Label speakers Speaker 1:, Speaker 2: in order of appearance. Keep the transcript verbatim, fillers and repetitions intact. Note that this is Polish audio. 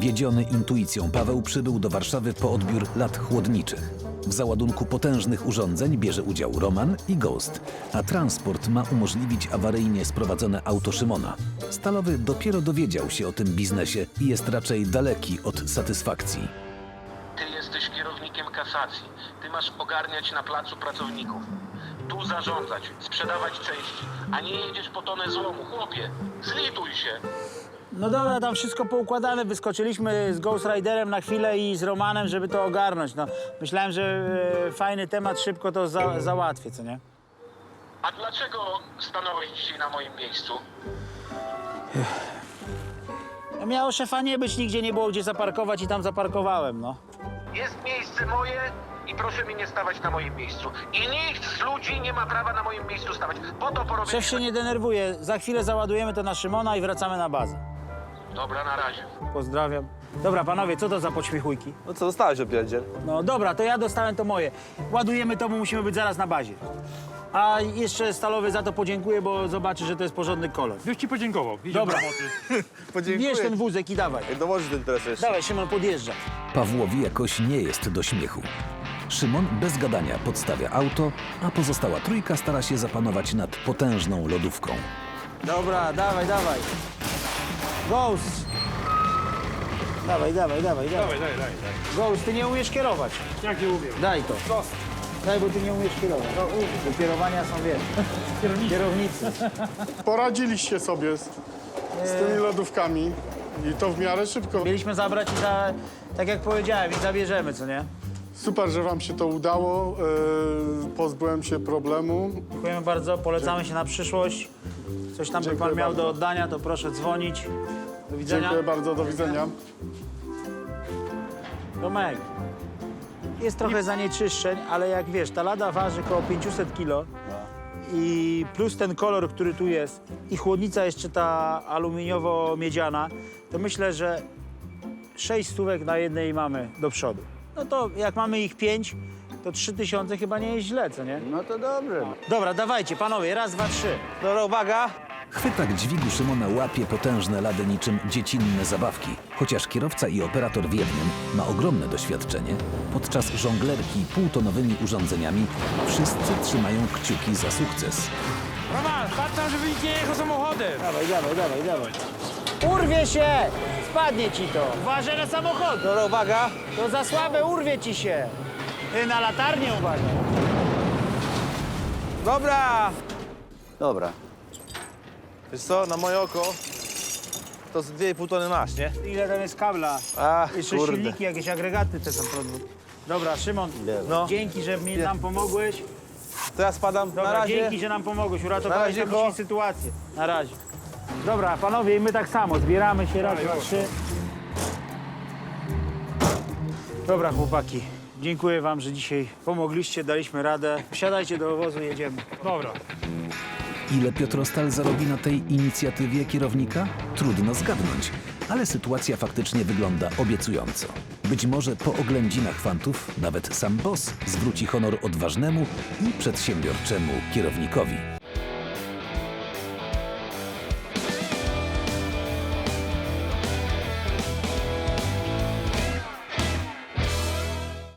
Speaker 1: Wiedziony intuicją Paweł przybył do Warszawy po odbiór lat chłodniczych. W załadunku potężnych urządzeń bierze udział Roman i Ghost, a transport ma umożliwić awaryjnie sprowadzone auto Szymona. Stalowy dopiero dowiedział się o tym biznesie i jest raczej daleki od satysfakcji.
Speaker 2: Ty jesteś kierownikiem kasacji. Ty masz ogarniać na placu pracowników. Tu zarządzać, sprzedawać części, a nie jedziesz po tonę złomu. Chłopie, zlituj się.
Speaker 3: No dobra, tam wszystko poukładane. Wyskoczyliśmy z Ghost Riderem na chwilę i z Romanem, żeby to ogarnąć. No, myślałem, że e, fajny temat, szybko to za, załatwię, co nie?
Speaker 2: A dlaczego stanąłeś dzisiaj na moim miejscu?
Speaker 3: No, miało szefa nie być, nigdzie nie było gdzie zaparkować i tam zaparkowałem, no.
Speaker 2: Jest miejsce moje i proszę mi nie stawać na moim miejscu. I nikt z ludzi nie ma prawa na moim miejscu stawać. Po to porobię...
Speaker 3: Szef się nie denerwuje. Za chwilę załadujemy to na Szymona i wracamy na bazę.
Speaker 2: Dobra, na razie.
Speaker 3: Pozdrawiam. Dobra, panowie, co to za podśmiechujki?
Speaker 4: No co, dostałeś opierdziel?
Speaker 3: No dobra, to ja dostałem to moje. Ładujemy to, bo musimy być zaraz na bazie. A jeszcze Stalowy za to podziękuję, bo zobaczy, że to jest porządny kolor.
Speaker 5: Już ci podziękował. Idziemy
Speaker 3: Dobra.
Speaker 5: do roboty.
Speaker 4: Podziękuję.
Speaker 3: Bierz ten wózek i dawaj.
Speaker 4: Jak dołożysz ten teraz jeszcze.
Speaker 3: Dawaj, Szymon, podjeżdża.
Speaker 1: Pawłowi jakoś nie jest do śmiechu. Szymon bez gadania podstawia auto, a pozostała trójka stara się zapanować nad potężną lodówką.
Speaker 3: Dobra, dawaj, dawaj. Ghost. Dawaj, dawaj, dawaj, dawaj.
Speaker 5: Dawaj, daj, daj, daj.
Speaker 3: Ghost, ty nie umiesz kierować.
Speaker 5: Jak nie umiem.
Speaker 3: Daj to. Daj, bo ty nie umiesz kierować. Do kierowania są, wiesz, kierownicy.
Speaker 6: Poradziliście sobie z, z tymi lodówkami i to w miarę szybko.
Speaker 3: Mieliśmy zabrać i za, tak jak powiedziałem, i zabierzemy, co nie?
Speaker 6: Super, że wam się to udało. Yy, pozbyłem się problemu.
Speaker 3: Dziękujemy bardzo, polecamy się na przyszłość. Coś tam by
Speaker 6: Dziękuję
Speaker 3: pan miał
Speaker 6: bardzo.
Speaker 3: do oddania, to proszę dzwonić. Do widzenia.
Speaker 6: Dziękuję bardzo, do widzenia.
Speaker 3: Tomek, jest trochę zanieczyszczeń, ale jak wiesz, ta lada waży około pięćset kilo i plus ten kolor, który tu jest i chłodnica jeszcze ta aluminiowo-miedziana, to myślę, że sześć stówek na jednej mamy do przodu. No to jak mamy ich pięć, to trzy tysiące chyba nie jest źle, co nie?
Speaker 4: No to dobrze.
Speaker 3: Dobra, dawajcie, panowie, raz, dwa, trzy.
Speaker 4: Dobra, uwaga.
Speaker 1: Chwytak dźwigu Szymona łapie potężne lady niczym dziecinne zabawki. Chociaż kierowca i operator w jednym ma ogromne doświadczenie, podczas żonglerki półtonowymi urządzeniami wszyscy trzymają kciuki za sukces.
Speaker 5: Roman, patrz tam, żeby nikt nie jechał samochodem.
Speaker 3: Dawaj, dawaj, dawaj, dawaj. Urwie się! Spadnie ci to. Uważaj na samochód.
Speaker 4: Dobra, uwaga.
Speaker 3: To za słabe, urwie ci się. Ty na latarnię uważaj.
Speaker 4: Dobra. Dobra. Wiesz co, na moje oko to z dwie i pół tony masz, nie?
Speaker 3: Ile tam jest kabla?
Speaker 4: Ach,
Speaker 3: Jeszcze
Speaker 4: kurde.
Speaker 3: silniki, jakieś agregaty te są produkt. Dobra, Szymon,
Speaker 4: No.
Speaker 3: dzięki, że mi, nam pomogłeś.
Speaker 4: To ja spadam
Speaker 3: Dobra,
Speaker 4: na razie.
Speaker 3: dzięki, że nam pomogłeś.
Speaker 4: Na
Speaker 3: Uratowałeś
Speaker 4: razie,
Speaker 3: nam
Speaker 4: ko.
Speaker 3: dzisiaj sytuację. Na razie. Dobra, panowie, i my tak samo. Zbieramy się raz, dwa, trzy. Dobra, chłopaki. Dziękuję wam, że dzisiaj pomogliście, daliśmy radę. Wsiadajcie do obozu, jedziemy.
Speaker 5: Dobra.
Speaker 1: Ile Piotr Ostal zarobi na tej inicjatywie kierownika? Trudno zgadnąć, ale sytuacja faktycznie wygląda obiecująco. Być może po oględzinach fantów nawet sam boss zwróci honor odważnemu i przedsiębiorczemu kierownikowi.